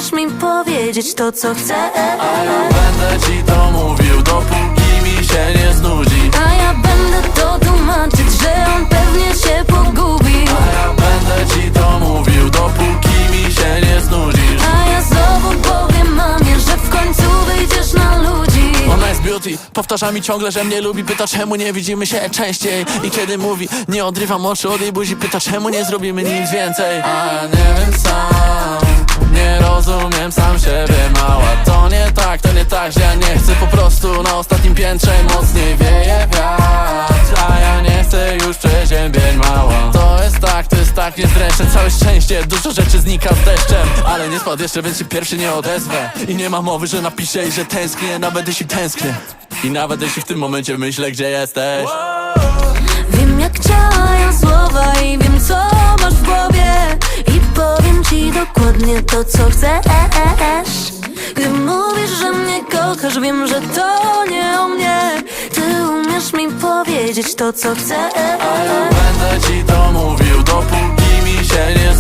umiesz mi powiedzieć to, co chcę. A ja będę ci to mówił, dopóki mi się nie znudzi. A ja będę to tłumaczyć, że on pewnie się pogubi. A ja będę ci to mówił, dopóki mi się nie znudzisz. A ja znowu powiem mamie, że w końcu wyjdziesz na ludzi. Ona jest beauty, powtarza mi ciągle, że mnie lubi. Pyta, czemu nie widzimy się częściej. I kiedy mówi, nie odrywam oczu od jej buzi. Pyta, czemu nie zrobimy nic więcej. A ja nie wiem sam, nie rozumiem sam siebie, mała. To nie tak, że ja nie chcę. Po prostu na ostatnim piętrze mocniej wieje wiatr. A ja nie chcę już przeziębień, mała. To jest tak, niezręczne. Całe szczęście, dużo rzeczy znika z deszczem. Ale nie spadł jeszcze, więc się pierwszy nie odezwę. I nie ma mowy, że napiszę i że tęsknię. Nawet jeśli tęsknię i nawet jeśli w tym momencie myślę, gdzie jesteś. Wiem, jak działają słowa i wiem, co masz w głowie. I powiem ci dokładnie to, co chcesz. Gdy mówisz, że mnie kochasz, wiem, że to nie o mnie. Ty umiesz mi powiedzieć to, co chcesz. A ja będę ci to mówił, dopóki mi się nie